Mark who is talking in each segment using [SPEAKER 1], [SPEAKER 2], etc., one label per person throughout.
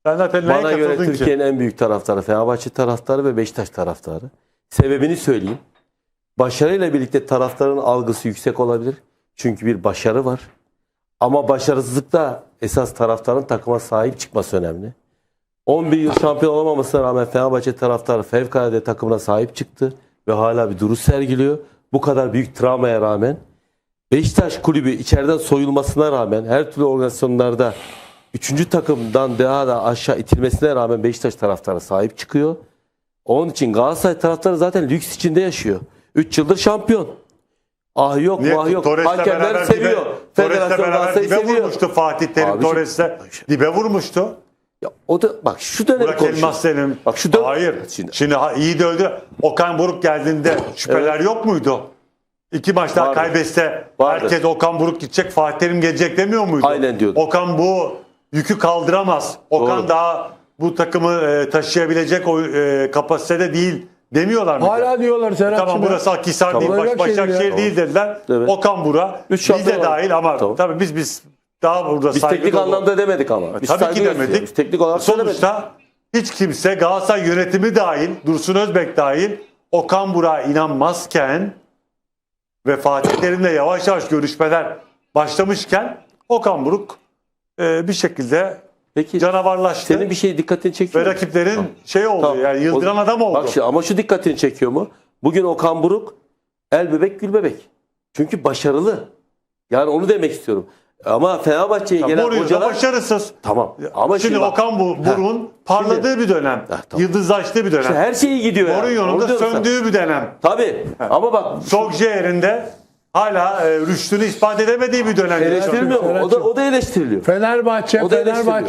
[SPEAKER 1] Ben zaten neye
[SPEAKER 2] Bana göre
[SPEAKER 1] katıldın ki?
[SPEAKER 2] Türkiye'nin en büyük taraftarı Fenerbahçe taraftarı ve Beşiktaş taraftarı. Sebebini söyleyeyim. Başarıyla birlikte taraftarın algısı yüksek olabilir. Çünkü bir başarı var. Ama başarısızlıkta esas taraftarın takıma sahip çıkması önemli. 11 yıl şampiyon olamamasına rağmen Fenerbahçe taraftarı fevkalade takımına sahip çıktı ve hala bir duruş sergiliyor. Bu kadar büyük travmaya rağmen Beşiktaş kulübü içeriden soyulmasına rağmen her türlü organizasyonlarda 3. takımdan daha da aşağı itilmesine rağmen Beşiktaş taraftarı sahip çıkıyor. Onun için Galatasaray taraftarı zaten lüks içinde yaşıyor. 3 yıldır şampiyon. Ah yok,
[SPEAKER 1] Niye?
[SPEAKER 2] vah yok.
[SPEAKER 1] Torres'le
[SPEAKER 2] Hakemler
[SPEAKER 1] beraber
[SPEAKER 2] seviyor.
[SPEAKER 1] Torres'le
[SPEAKER 2] Federasyon
[SPEAKER 1] beraber
[SPEAKER 2] Galatasaray'ı
[SPEAKER 1] dibe
[SPEAKER 2] seviyor.
[SPEAKER 1] vurmuştu Fatih Terim.
[SPEAKER 2] Abiciğim,
[SPEAKER 1] Torres'le dibe vurmuştu.
[SPEAKER 2] Ya o da bak şu dönemi
[SPEAKER 1] Burak
[SPEAKER 2] konuşuyor.
[SPEAKER 1] Elmas senin.
[SPEAKER 2] Bak şu dön.
[SPEAKER 1] Hayır.
[SPEAKER 2] Şimdi-
[SPEAKER 1] Şimdi iyi de öldü. Okan Buruk geldiğinde şüpheler yok muydu? 2 maç daha
[SPEAKER 2] Vardı.
[SPEAKER 1] kaybetse
[SPEAKER 2] Vardı.
[SPEAKER 1] herkes Okan Buruk gidecek, Fatih Terim gelecek demiyor muydu?
[SPEAKER 2] Aynen diyordu.
[SPEAKER 1] Okan bu yükü kaldıramaz. Okan
[SPEAKER 2] Doğru.
[SPEAKER 1] daha bu takımı taşıyabilecek o kapasitede değil demiyorlar mı?
[SPEAKER 3] Hala diyorlar Serhat'cığım.
[SPEAKER 1] Tamam burası Akhisar
[SPEAKER 2] Tamam.
[SPEAKER 1] değil,
[SPEAKER 3] Olacak
[SPEAKER 1] Başakşehir
[SPEAKER 3] şeyler ya.
[SPEAKER 1] değil dediler.
[SPEAKER 2] Evet.
[SPEAKER 1] Okan Buruk,
[SPEAKER 2] 3
[SPEAKER 1] biz
[SPEAKER 2] şampiyon
[SPEAKER 1] de dahil ama
[SPEAKER 2] Tamam.
[SPEAKER 1] tabii biz daha burada
[SPEAKER 2] Biz
[SPEAKER 1] saygı
[SPEAKER 2] teknik
[SPEAKER 1] dolu-
[SPEAKER 2] anlamda demedik ama. Biz
[SPEAKER 1] Tabii
[SPEAKER 2] saygı
[SPEAKER 1] ki
[SPEAKER 2] gösteriyoruz.
[SPEAKER 1] demedik.
[SPEAKER 2] Teknik olarak söylemedik.
[SPEAKER 1] Sonuçta hiç kimse Galatasaray yönetimi dahil, Dursun Özbek dahil Okan Burak'a inanmazken ve Fatih Terim'le yavaş yavaş görüşmeler başlamışken Okan Buruk bir şekilde
[SPEAKER 2] Peki
[SPEAKER 1] canavarlaştı.
[SPEAKER 2] senin bir şey dikkatini çekiyor
[SPEAKER 1] ve
[SPEAKER 2] mu?
[SPEAKER 1] rakiplerin
[SPEAKER 2] Tamam.
[SPEAKER 1] şey oldu
[SPEAKER 2] Tamam.
[SPEAKER 1] yani yıldıran adam oldu.
[SPEAKER 2] Bak şimdi, ama şu dikkatini çekiyor mu? Bugün Okan Buruk el bebek gül bebek. Çünkü başarılı. Yani onu demek istiyorum. Ama Fenerbahçe'ye gelen
[SPEAKER 1] Mourinho da
[SPEAKER 2] hocalar
[SPEAKER 1] başarısız.
[SPEAKER 2] tamam. Ama
[SPEAKER 1] Şimdi
[SPEAKER 2] bak,
[SPEAKER 1] Okan Buruk'un parladığı bir dönem.
[SPEAKER 2] tamam.
[SPEAKER 1] Yıldızlaştığı bir dönem.
[SPEAKER 2] işte her şeyi gidiyor. yani.
[SPEAKER 1] Mourinho'nun
[SPEAKER 2] Onu
[SPEAKER 1] da
[SPEAKER 2] diyorum sana.
[SPEAKER 1] söndüğü bir dönem.
[SPEAKER 2] Tabii. Ama bak
[SPEAKER 1] Solskjaer'in hala rüştünü ispat edemediği bir dönem.
[SPEAKER 2] eleştirilmiyor mu? O da eleştiriliyor.
[SPEAKER 3] Fenerbahçe
[SPEAKER 2] O da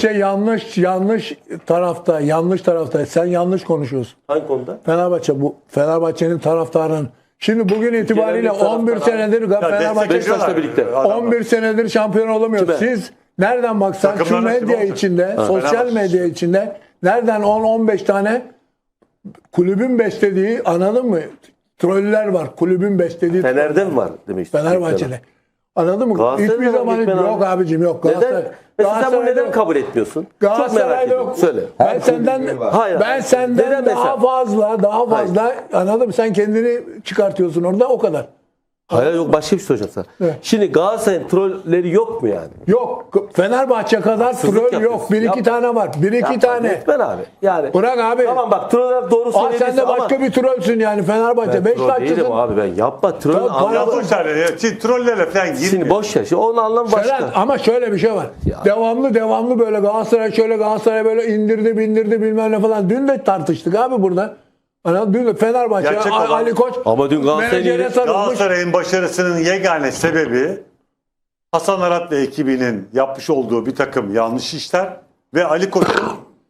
[SPEAKER 3] yanlış tarafta, yanlış tarafta. Sen yanlış konuşuyorsun.
[SPEAKER 2] Hangi konuda?
[SPEAKER 3] Fenerbahçe'nin taraftarın. Şimdi bugün itibariyle
[SPEAKER 2] Türkiye'nin
[SPEAKER 3] 11
[SPEAKER 2] taraftarı-
[SPEAKER 3] senedir Fenerbahçe
[SPEAKER 2] Beşiktaş'la birlikte.
[SPEAKER 3] 11 senedir şampiyon olamıyor.
[SPEAKER 2] Kime?
[SPEAKER 3] Siz nereden baksan şu
[SPEAKER 1] Takımların
[SPEAKER 3] medya
[SPEAKER 1] hepsi
[SPEAKER 3] içinde, sosyal
[SPEAKER 1] Fenerbahçe.
[SPEAKER 3] medya içinde nereden 10-15 tane kulübün beslediği, anladın mı? Troller var. Kulübün beslediği
[SPEAKER 2] Fener'de mi var demek istiyorsun?
[SPEAKER 3] Fenerbahçe'de. Anladın mı?
[SPEAKER 2] Galatasaray'da
[SPEAKER 3] Hiçbir
[SPEAKER 2] var
[SPEAKER 3] zaman
[SPEAKER 2] Gökmen
[SPEAKER 3] yok
[SPEAKER 2] abi.
[SPEAKER 3] abicim yok.
[SPEAKER 2] Neden? Mesela sen bunu neden
[SPEAKER 3] yok.
[SPEAKER 2] kabul etmiyorsun? Çok merak
[SPEAKER 3] Galatasaray'da
[SPEAKER 2] ediyorum.
[SPEAKER 3] yok.
[SPEAKER 2] Söyle.
[SPEAKER 3] Ben senden
[SPEAKER 2] Hayır.
[SPEAKER 3] ben senden
[SPEAKER 2] Neden
[SPEAKER 3] daha
[SPEAKER 2] mesela?
[SPEAKER 3] fazla anladın mı? Sen kendini çıkartıyorsun orada o kadar.
[SPEAKER 2] Hayır yok başka bir şey soracağım sana.
[SPEAKER 3] Evet.
[SPEAKER 2] Şimdi Galatasaray'ın trolleri yok mu yani?
[SPEAKER 3] Yok. Fenerbahçe kadar
[SPEAKER 2] Haksızlık
[SPEAKER 3] troll
[SPEAKER 2] yapıyorsun.
[SPEAKER 3] yok. Bir iki
[SPEAKER 2] Yapma.
[SPEAKER 3] tane var. Bir iki
[SPEAKER 2] Yapma,
[SPEAKER 3] tane.
[SPEAKER 2] Lütfen abi. Yani
[SPEAKER 3] Bırak abi.
[SPEAKER 2] tamam bak troller doğru
[SPEAKER 3] Aa,
[SPEAKER 2] söylüyorsun
[SPEAKER 3] sen de
[SPEAKER 2] ama
[SPEAKER 3] başka bir trollsün yani Fenerbahçe.
[SPEAKER 2] ben troll değilim
[SPEAKER 3] Beşiktaş'tasın.
[SPEAKER 2] abi ben. Yapma troll
[SPEAKER 3] Tamam,
[SPEAKER 2] anlamı.
[SPEAKER 1] Ya boş ver ya. Şimdi trollerle falan
[SPEAKER 2] Şimdi
[SPEAKER 1] girmiyor.
[SPEAKER 2] boş ver. Şimdi onun anlamı başka.
[SPEAKER 3] Ferhat, ama şöyle bir şey var.
[SPEAKER 2] Ya.
[SPEAKER 3] Devamlı böyle Galatasaray şöyle Galatasaray böyle bindirdi bilmem ne falan. Dün de tartıştık abi burada. Dün de Fenerbahçe
[SPEAKER 1] Gerçek olan-
[SPEAKER 3] Ali Koç
[SPEAKER 2] Ama dün Galatasaray'ın
[SPEAKER 3] menajere
[SPEAKER 2] yeri-
[SPEAKER 3] sarılmış.
[SPEAKER 1] Galatasaray'ın başarısının yegane sebebi Hasan Arat ve ekibinin yapmış olduğu bir takım yanlış işler ve Ali Koç'un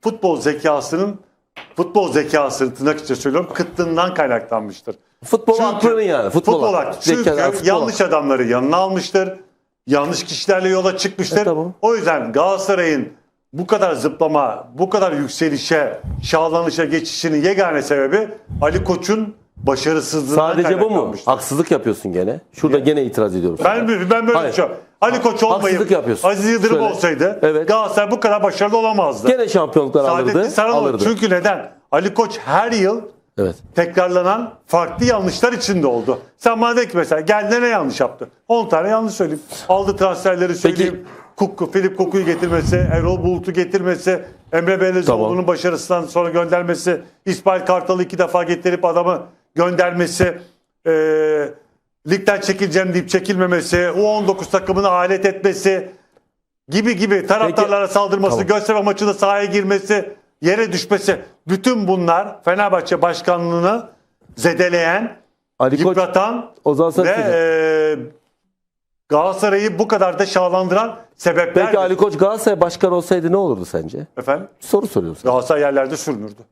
[SPEAKER 1] futbol zekasının tırnak içinde söylüyorum kıtlığından kaynaklanmıştır.
[SPEAKER 2] Futbol aklının yani. Futbol aklı.
[SPEAKER 1] Çünkü
[SPEAKER 2] Zeka, futbol
[SPEAKER 1] yanlış adamları yanına almıştır. Yanlış kişilerle yola çıkmıştır.
[SPEAKER 2] Tamam.
[SPEAKER 1] O yüzden Galatasaray'ın bu kadar zıplama, bu kadar yükselişe, şahlanışa geçişinin yegane sebebi Ali Koç'un başarısızlığından
[SPEAKER 2] Sadece bu mu?
[SPEAKER 1] kaynaklanmıştır.
[SPEAKER 2] Haksızlık yapıyorsun gene. Şurada gene itiraz ediyorum.
[SPEAKER 1] Ben böyle
[SPEAKER 2] Hayır.
[SPEAKER 1] düşünüyorum. Ali Koç olmayıp
[SPEAKER 2] Haksızlık yapıyorsun.
[SPEAKER 1] Aziz Yıldırım
[SPEAKER 2] Söyle.
[SPEAKER 1] olsaydı
[SPEAKER 2] Evet.
[SPEAKER 1] Galatasaray bu kadar başarılı olamazdı.
[SPEAKER 2] Gene şampiyonluklar
[SPEAKER 1] Saadettin
[SPEAKER 2] alırdı.
[SPEAKER 1] Saran olurdu.
[SPEAKER 2] Alırdı.
[SPEAKER 1] Çünkü neden? Ali Koç her yıl
[SPEAKER 2] Evet.
[SPEAKER 1] tekrarlanan farklı yanlışlar içinde oldu. Sen bana de ki mesela geldi ne yanlış yaptı? 10 tane yanlış söyleyeyim. Aldı transferleri söyleyeyim. Filip Koku'yu getirmesi, Erol Bulut'u getirmesi, Emre Belezoğlu'nun
[SPEAKER 2] Tamam.
[SPEAKER 1] başarısından sonra göndermesi, İsmail Kartal'ı 2 defa getirip adamı göndermesi, ligden çekileceğim deyip çekilmemesi, U19 takımını alet etmesi gibi taraftarlara saldırması,
[SPEAKER 2] Tamam.
[SPEAKER 1] Göztepe maçında sahaya girmesi, yere düşmesi. Bütün bunlar Fenerbahçe başkanlığını zedeleyen,
[SPEAKER 2] Ali Koç
[SPEAKER 1] yıpratan
[SPEAKER 2] o zaman sen
[SPEAKER 1] ve Galatasaray'ı bu kadar da şahlandıran sebepler.
[SPEAKER 2] Peki Ali Koç Galatasaray başkanı olsaydı ne olurdu sence?
[SPEAKER 1] Efendim?
[SPEAKER 2] Soru soruyorum sana.
[SPEAKER 1] Galatasaray yerlerde sürünürdü.